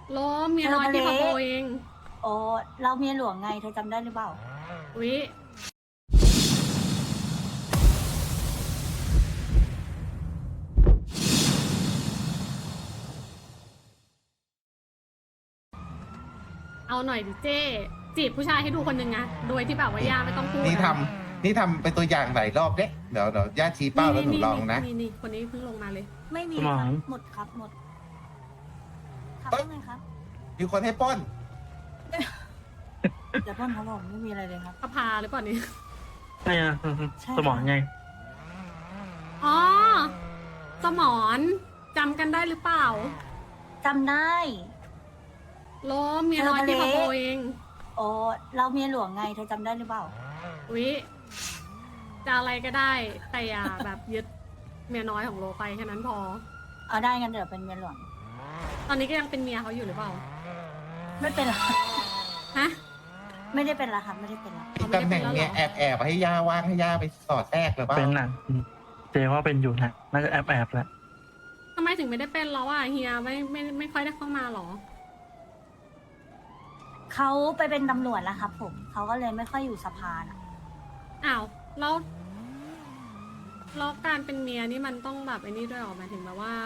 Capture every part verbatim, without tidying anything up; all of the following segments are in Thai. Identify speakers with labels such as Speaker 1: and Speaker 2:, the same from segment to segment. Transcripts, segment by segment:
Speaker 1: โลเมียน้อยที่พะโบเอง
Speaker 2: โอ้เราเมียหลวงไงเธอจำได้หรือเปล่า
Speaker 1: วิเอาหน่อยดิเจ้จีบผู้ชายให้ดูคนหนึ่งนะโดยที่แบบว่าย่าไม่ต้องพูด
Speaker 3: นี่ทำนี่ทำเป็นตัวอย่างหลายรอบเด้เดี๋ยวเดี๋ยวย่าชี้เป้าแล้วหนูลองนะ
Speaker 1: นี่นี่คนนี้เพิ่งลงมาเลย
Speaker 2: ไม่มี
Speaker 4: ส
Speaker 2: ค
Speaker 4: ม
Speaker 2: รั
Speaker 4: อบ ง
Speaker 2: หมดครับหมดครับ
Speaker 3: เอ้ย
Speaker 2: ว่าไงครับ
Speaker 3: มีคนให้ปล้น
Speaker 2: เดี๋ยวพ่นเขาบอกไม่มีอะไรเลยครับ
Speaker 1: พระพาหรือเปล่านี่
Speaker 4: ใช่อะ
Speaker 2: ใช่
Speaker 4: สมองไง
Speaker 1: อ๋อ สมอนจำกันได้หรือเปล่า
Speaker 2: จำได้
Speaker 1: โลเมียน้อยที่พะโบเอง
Speaker 2: โอ้เราเมียหลวงไงเธอจำได้หรือเปล่า
Speaker 1: วิจะอะไรก็ได้ แต่อย่าแบบยึดเมียน้อยของโลไปแค่นั้นพอ
Speaker 2: เอาได้งั้นเดี๋ยวเป็นเมียหลวง
Speaker 1: ตอนนี้ก็ยังเป็นเมียเขาอยู่หรือเปล่า
Speaker 2: ไม่เป็นไร
Speaker 1: ฮะ
Speaker 2: ไม่ได้เป็นละครับไม่ได้เป็นละ
Speaker 3: มีตำแหน่งเนี้ยแอบแอบให้ย่าว่างให้ย่าไปสอดแทรกหรือเปล่า
Speaker 4: เป็นหนักเจว่าเป็นอยู่นะน่าจะแอบแอบแหละ
Speaker 1: ทำไมถึงไม่ได้เป็นแล้วอ่ะเฮียไม่ไม่ไม่ค่อยได้เข้ามาหรอ
Speaker 2: เขาไปเป็นตำรวจแล้วครับ ผมเขาก็เลยไม่ค่อยอยู่สภาน่ะ
Speaker 1: อ้าวแล้วแล้วการเป็นเมียนี่มันต้องแบบไอ้นี่ด้วยเหรอหมายถึงแบบว่า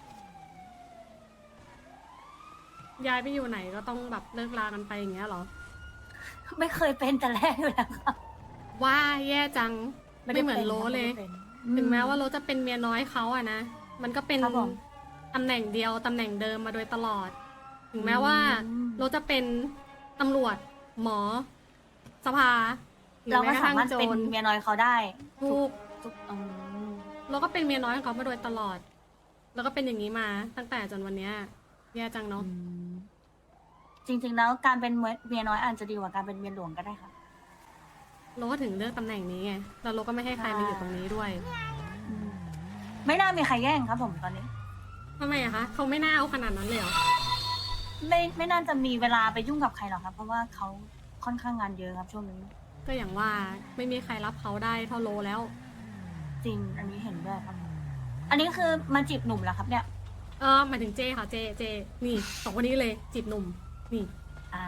Speaker 1: ย้ายไปอยู่ไหนก็ต้องแบบเลิกลากันไปอย่างเงี้ยเหรอ
Speaker 2: ไม่เคยเป็นแต่แรกอยู่แล้วครับ
Speaker 1: ว่าแย่จังไม่เหมือนโลเลย
Speaker 2: ไม่ได้เป็น
Speaker 1: ถึงแม้ว่าโลจะเป็นเมียน้อยเขาอะนะ มันก็เป็น
Speaker 2: ครับผม
Speaker 1: ตำแหน่งเดียวตำแหน่งเดิมมาโดยตลอด ถึงแม้ว่า
Speaker 2: อืม
Speaker 1: โลจะเป็นตำรวจ หมอ สภาหรือ
Speaker 2: เรา
Speaker 1: แม้
Speaker 2: ก็
Speaker 1: กระ
Speaker 2: สา
Speaker 1: ทั่ง
Speaker 2: มารถ
Speaker 1: โจ
Speaker 2: เป็น
Speaker 1: ร
Speaker 2: เมียน้อยเขาได้
Speaker 1: ทุก
Speaker 2: ทุกอืม
Speaker 1: โลก็เป็นเมียน้อยของเขามาโดยตลอด แล้วก็เป็นอย่างนี้มาตั้งแต่จนวันเนี้ยแย่จังเนาะ
Speaker 2: อืมจริงๆแล้วการเป็นเมียน้อยอาจจะดีกว่าการเป็นเมียหลวงก็ได้ค่ะ
Speaker 1: โลก็ถึงเลือกตำแหน่งนี้ไงแล้วโลก็ไม่ให้ใครมาอยู่ตรงนี้ด้วย
Speaker 2: อืมไม่น่ามีใครแย่งครับผมตอนนี้
Speaker 1: ทำไมอะคะเขาไม่น่าเอาขนาดนั้นเลยเหรอ
Speaker 2: ไม่ไม่น่าจะมีเวลาไปยุ่งกับใครหรอกครับ เพราะว่าเขาค่อนข้างงานเยอะครับช่วงนี้
Speaker 1: ก็อย่างว่าไม่มีใครรับเขาได้เท่าโลแล้ว
Speaker 2: จริง อันนี้เห็นด้วยครับ อันนี้คือมาจีบหนุ่มแล้วครับ เนี่ย
Speaker 1: เออหมายถึงเจค่ะเจเจนี่สองคนนี้เลยจีบหนุ่มนี่
Speaker 2: อ่า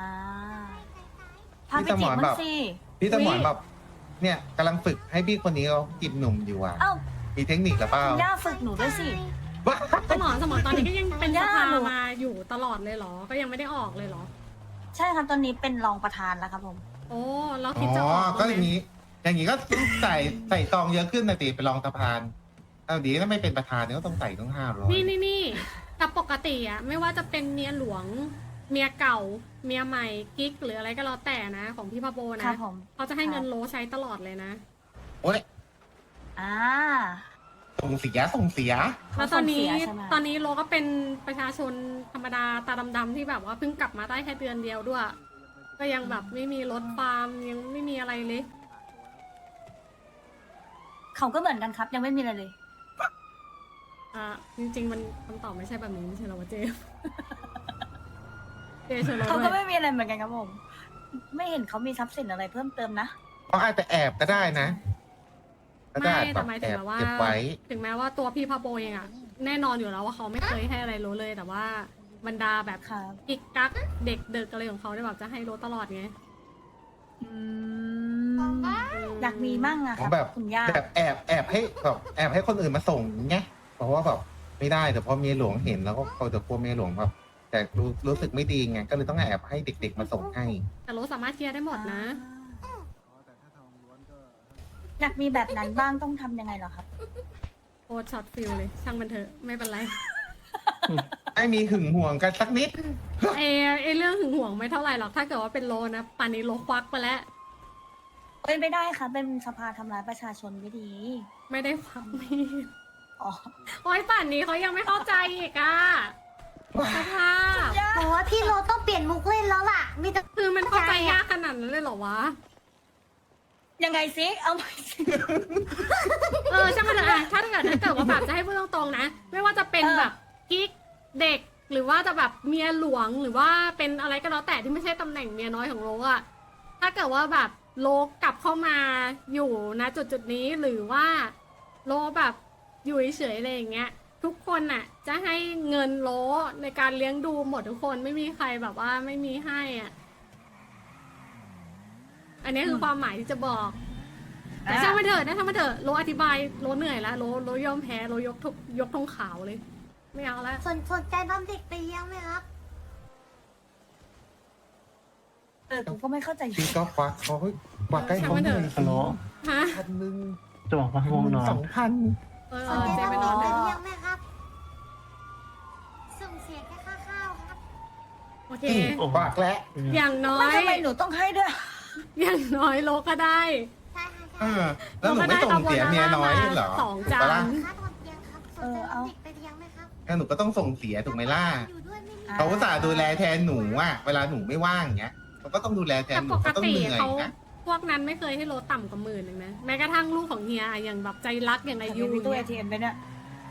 Speaker 2: พาไปจีบมันสิ
Speaker 3: พี่สม
Speaker 1: อุ๊
Speaker 3: ร
Speaker 1: ย
Speaker 3: แบบ เนี่ยกำลังฝึกให้พี่คนนี้เขาจีบหนุ่มอยู่อ่ะ
Speaker 2: เอ้า
Speaker 3: มีเทคนิคหรือเปล่า
Speaker 2: คุณย่าฝึกหนูด้วยสิ
Speaker 3: ว้า
Speaker 1: สมอนสมอนตอนนี้ก็ยังเป็นส
Speaker 2: ย่า
Speaker 1: ภา
Speaker 2: หนู
Speaker 1: มาอยู่ตลอดเลยเหรอ ก็ยังไม่ได้ออกเลยเหรอ
Speaker 2: ใช่ครับตอนนี้เป็นรองประธานแล้วครับผม
Speaker 1: โอ้เราคิ
Speaker 3: อ๋
Speaker 1: ดจะอ
Speaker 3: อ
Speaker 1: อก
Speaker 3: ก็
Speaker 1: บ้าง
Speaker 3: อ
Speaker 1: ไหม
Speaker 3: ย่างนี้ อย่างนี้ก็ต้องใส่ใส่ซองเยอะขึ้นนะตีไปรองสะพานเอาดีถ้าไม่เป็นประธานเนี่ยก็ต้องใส่ต้องห้าร้อย
Speaker 1: นี่นี่นี่แต่ปกติอะไม่ว่าจะเป็นเมียหลวง เมียเก่า เมียใหม่กิ๊กหรืออะไรก็แล้วแต่นะ ของพี่พาโบ
Speaker 2: ครั
Speaker 1: นะ
Speaker 2: บผม
Speaker 1: เขาจะให้เงินโลใช้ตลอดเลยนะ
Speaker 3: โอ้ย
Speaker 2: อ่า
Speaker 3: ส่งเสียส่งเสีย
Speaker 1: แล้วตอนนี้
Speaker 2: เขาส่งเสียใช่ไหม
Speaker 1: ตอนนี้โลก็เป็นประชาชนธรรมดาตาดำๆที่แบบว่าเพิ่งกลับมาได้แค่เดือนเดียวด้วย ก็ยังแบบไม่มีรถฟาร์มยังไม่มีอะไรเลย
Speaker 2: เขาก็เหมือนกันครับ ยังไม่มีอะไรเลย
Speaker 1: อ่าจริงๆมันคำตอบไม่ใช่แบบนี้ไม่ใช่เหรอวะเจ เจเชิญเรา
Speaker 2: เขา
Speaker 1: ด้
Speaker 2: ก็
Speaker 1: วย
Speaker 2: ไม่มีอะไรเหมือนกันครับผม ไม่เห็นเขามีทรัพย์สินอะไรเพิ่มเติมนะ
Speaker 3: เขาอาจจะแอบก็ได้นะก็ได้
Speaker 1: ไม่
Speaker 3: แบ
Speaker 1: แต่
Speaker 3: บ
Speaker 1: หมาย
Speaker 3: แอ
Speaker 1: ถึง
Speaker 3: บ
Speaker 1: แบบว่า
Speaker 3: เก็บไว้
Speaker 1: ถึงแม้ว่าตัวพี่พาโบเองอะแน่นอนอยู่แล้วว่าเขาไม่เคยให้อะไรโรเลย แต่ว่าบรรดาแบบ
Speaker 2: ครับ
Speaker 1: กิ๊กกักเด็กเด็กอะไรของเขาเนี่ยแบบจะให้โรตลอดไง
Speaker 2: อืมอยากมีมั่งอะค
Speaker 3: อ๋
Speaker 2: รั
Speaker 3: อบ แบบ
Speaker 2: คุณย่า
Speaker 3: แบบแอบแอบให้แบบแอบให้คนอื่นมาส่งไงเพราะว่าแบบไม่ได้แต่พอเมียหลวงเห็นแล้วก็เขาจะกลัวเมียหลวงแบบแต่รู้รู้สึกไม่ดีไงก็เลยต้องแอบให้เด็ก ๆ มาส่งให้
Speaker 1: แต่โรสามารถเคลียร์ได้หมดนะ
Speaker 2: อยากมีแบบนั้นบ้างต้องทำยังไงเหรอครับ
Speaker 1: โคตรช็อตฟิลเลย ช่างมันเถอะไม่เป็นไร
Speaker 3: ไม่มีหึงห่วงกันสักนิด
Speaker 1: เอไอเรื่องหึงหวงไม่เท่าไหร่หรอกถ้าเกิดว่าเป็นโลนะป่านนี้โลควักไปแล้ว
Speaker 2: เอ้ยไม่ได้ค่ะ เป็นสภาทำร้ายประชาชนไม่ดี
Speaker 1: ไม่ได้ควักมีด
Speaker 2: อ๋อ
Speaker 1: โอ้ยป่านนี้เขายังไม่เข้าใจอีกอะสภาพ
Speaker 5: โอ้พี่โรต้องเปลี่ยนมุกเล่นแล้วล่ะ มีแต่
Speaker 1: คือมันเข้าใจยากขนาดนั้นเลยเหรอวะ
Speaker 2: ยังไงซิเอาใหม่สิ
Speaker 1: เออช่างมันเถอะอะถ้าเกิดถ้าเกิดว่าแบบจะให้พูดตรงๆนะ ไม่ว่าจะเป็น
Speaker 2: เออ
Speaker 1: แบบกิ๊กเด็ก หรือว่าจะแบบเมียหลวงหรือว่าเป็นอะไรก็แล้วแต่ที่ไม่ใช่ตำแหน่งเมียน้อยของโลอะถ้าเกิดว่าแบบโลกลับเข้ามาอยู่นะจุดจุดๆนี้หรือว่าโลแบบอยู่เฉยๆอะไรอย่างเงี้ยทุกคนน่ะ จะให้เงินโลในการเลี้ยงดูหมดทุกคนไม่มีใครแบบว่าไม่มีให้อ่ะ อันนี้คือความหมายที่จะบอกแต่ช่างมันเถอะนะช่างมันเถอะโลอธิบายโลเหนื่อยแล้วโลโลยอมแพ้โลยกทุกยกธงขาวเลย ไม่เอาแล้ว
Speaker 5: สนสนใจทำเด็กไปเลี้ยงไหมครับ
Speaker 2: เออกูก็ไม่เข้าใจ
Speaker 3: พี่ก็ควักเขาควักให้เขาหนึ่ง
Speaker 4: ฮัลโหล
Speaker 1: ฮะ
Speaker 3: พันหนึ่ง
Speaker 4: จะบอกว่าง่วงนอน
Speaker 3: สองพัน
Speaker 1: เออ
Speaker 5: สนใจ
Speaker 1: เจไป
Speaker 5: ทำ
Speaker 1: น
Speaker 5: เด็
Speaker 1: อก น
Speaker 5: ไป
Speaker 1: ได้
Speaker 5: เลี้ยงไหมครับ ส่งเสียแค่ค่าข้าวครับ
Speaker 1: โอเค
Speaker 4: โอ้โห
Speaker 3: ควักแล้ว
Speaker 1: อย่างน้อ
Speaker 2: ไม่
Speaker 1: ย
Speaker 2: ทำไมหนูต้องให้ด้วย
Speaker 1: อย่างน้อยโลก็ได้
Speaker 5: ใช่ค่ะ
Speaker 3: เอ
Speaker 5: ใช่
Speaker 3: อแล้วหนูไม่ส่งเสียเมียน้อยเหรอ
Speaker 1: สองจา
Speaker 3: ถูกปะ
Speaker 1: น
Speaker 3: ล่ะ
Speaker 5: ค่าทำเลี้ยงครับสนใจทำเด็กไปเลี้ยงไหมครับ
Speaker 3: งั้นหนูก็ต้องส่งเสียถูกไหมล่ะ
Speaker 5: อยู่ด้วยไม่มี
Speaker 2: อ่
Speaker 3: เขาอุตส่าห์ดูแลแทนหนูอ่ะเวลาหนูไม่ว่างอย่างเงี้ยเขาก็ต้องดูแลแท
Speaker 1: แต่
Speaker 3: นหนู
Speaker 1: ปก
Speaker 3: เขาต้อง
Speaker 1: ติ
Speaker 3: เหนื่อย
Speaker 1: เขา
Speaker 3: นะ
Speaker 1: พวกนั้นไม่เคยให้โลต่ำกว่าหมื่นเลยนะแม้กระทั่งลูกของเฮียอย่างแบบใจรักอย่างอายุ
Speaker 2: มีตู้
Speaker 1: เนี่
Speaker 2: เอย ทีเอ็มไปเนี่ย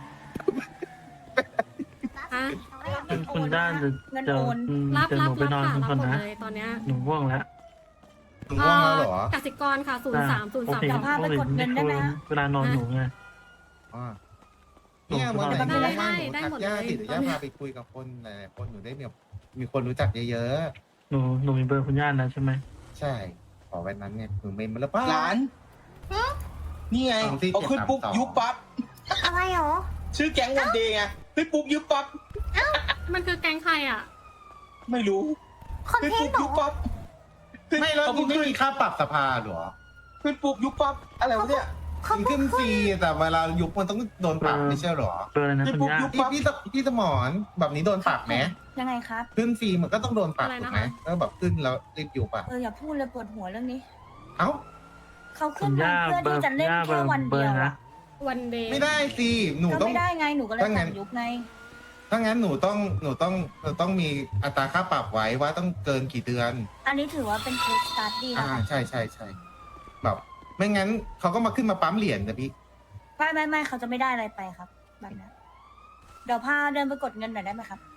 Speaker 1: ฮะ
Speaker 4: คุณคุณด้านจะ
Speaker 2: เงิน
Speaker 4: จะ
Speaker 2: โอน
Speaker 1: รับ
Speaker 4: จะห
Speaker 1: รั
Speaker 4: นู
Speaker 1: บ
Speaker 4: ไป
Speaker 1: รับ
Speaker 4: นอน
Speaker 1: ค่ะ
Speaker 4: ทุก
Speaker 1: รับ
Speaker 4: คน
Speaker 1: หมด
Speaker 4: นะ
Speaker 1: เลยตอนเนี้ย
Speaker 4: หนูง่วงแล้ว
Speaker 3: หนูว่างแล้วเหรอ
Speaker 1: กสิกรค่ะศูนย์สามศูนย์
Speaker 4: โอ
Speaker 1: สาม
Speaker 4: เค
Speaker 2: เดี๋ยวพาไปกดเงินได้ไหมฮะ
Speaker 4: เวลานอนหนูไง
Speaker 3: อ๋อเนี่ยวันไหน
Speaker 1: ได้
Speaker 3: หนูว่าง
Speaker 1: ได้
Speaker 3: หนู
Speaker 1: ได้
Speaker 3: ทัก
Speaker 1: หมดเลย
Speaker 3: ย่าติดย่าพาไปคุยกับคนหลายๆคนหนูได้มีมีคนรู้จักเยอะ
Speaker 4: หนูหนูมีเบอร์คุณย่าแล้วใช่ไหม
Speaker 3: ๆใช่ขอวันนั้นเนี่ยหนูเมมมาแล้วป้า
Speaker 6: หลาน นี่ไง
Speaker 3: สองสี่
Speaker 6: พอขึ้นปุ๊บ
Speaker 3: เจ็ดสามสอง
Speaker 6: ยุบปั๊บ
Speaker 5: อะไรหรอ
Speaker 6: ชื่อแก๊งวันเดย์ไงขึ้นปุ๊บยุบปั๊บ
Speaker 1: มันคือแกงใครอ่ะ
Speaker 6: ไม่รู้
Speaker 5: คอน
Speaker 6: ขึ้น
Speaker 5: เทน
Speaker 6: ปุ๊บ
Speaker 5: ต์เหรอ
Speaker 6: ยุบปั๊บขึ้น
Speaker 3: ไม่แล้ว
Speaker 6: เขา
Speaker 3: นี่
Speaker 6: เพิ่ง
Speaker 3: ไม่
Speaker 6: ขึ้น
Speaker 3: มีค่าปรับสภาเหรอ
Speaker 6: ขึ้นปุ๊บยุบปั๊บอะไรวะเนี่ย
Speaker 5: เขา
Speaker 3: มัน
Speaker 5: เพิ่
Speaker 3: ขึ้
Speaker 5: ง
Speaker 3: นฟรีแต่เวลายุบมันต้องโดนปรับไม่ใช่เหรอ
Speaker 4: เบอร์อะไรนะ
Speaker 6: ขึ้น
Speaker 4: คุณ
Speaker 6: ปุ๊บ
Speaker 4: ย่า
Speaker 6: ยุบ
Speaker 3: พี่
Speaker 6: ปั๊บ
Speaker 3: พี่สพี่สมอนแบบนี้โดนปรับไหม
Speaker 2: ยังไงครับ
Speaker 3: ขึ้นฟรีมันก็ต้องโดนปรับ
Speaker 1: อะไร
Speaker 3: ถู
Speaker 1: นะ
Speaker 3: กไหม
Speaker 1: คะ
Speaker 3: ก็แบบขึ้นแล้วรีบยุบอ่ะ
Speaker 2: เอออย่าพูดเลยปวดหัวเรื่องนี้
Speaker 3: เอ้า
Speaker 2: เขา
Speaker 4: คุ
Speaker 2: ขึ้น
Speaker 4: ณ
Speaker 2: มา
Speaker 4: ย่า
Speaker 2: เพื่อ
Speaker 4: เบอ
Speaker 2: ที่
Speaker 4: ร์
Speaker 2: จะเล่น
Speaker 4: ย่าเบอ
Speaker 2: แค่
Speaker 4: ร์
Speaker 2: วัน
Speaker 4: เบอ
Speaker 2: เดียว
Speaker 4: ร์นะ
Speaker 2: อะ
Speaker 1: วันเดย์
Speaker 3: ไม่ได้สิหนู
Speaker 2: ก็
Speaker 3: ต้อง
Speaker 2: ไม่ได้ไงหนูก็เลย
Speaker 3: ถ้างั้
Speaker 2: สั่
Speaker 3: น
Speaker 2: งยุบไง
Speaker 3: ถ้างั้นหนูต้องหนูต้องหนูต้องมีอัตราค่าปรับไว้ว่าต้องเกินกี่เดือน
Speaker 2: อันนี้ถือว่าเป็นเคสสตาร์ดี้
Speaker 3: อ่า
Speaker 2: นะคะ
Speaker 3: ใช่ใช่ใช่แบบ ไม่งั้นเขาก็มาขึ้นมาปั๊มเหรียญนะพี่
Speaker 2: ไม่ไม่ไม่เขาจะไม่ได้อะไรไปครับแบบนั้นเดี๋ยวพาเดินไปกดเงินหน่อยได้ไหมครับ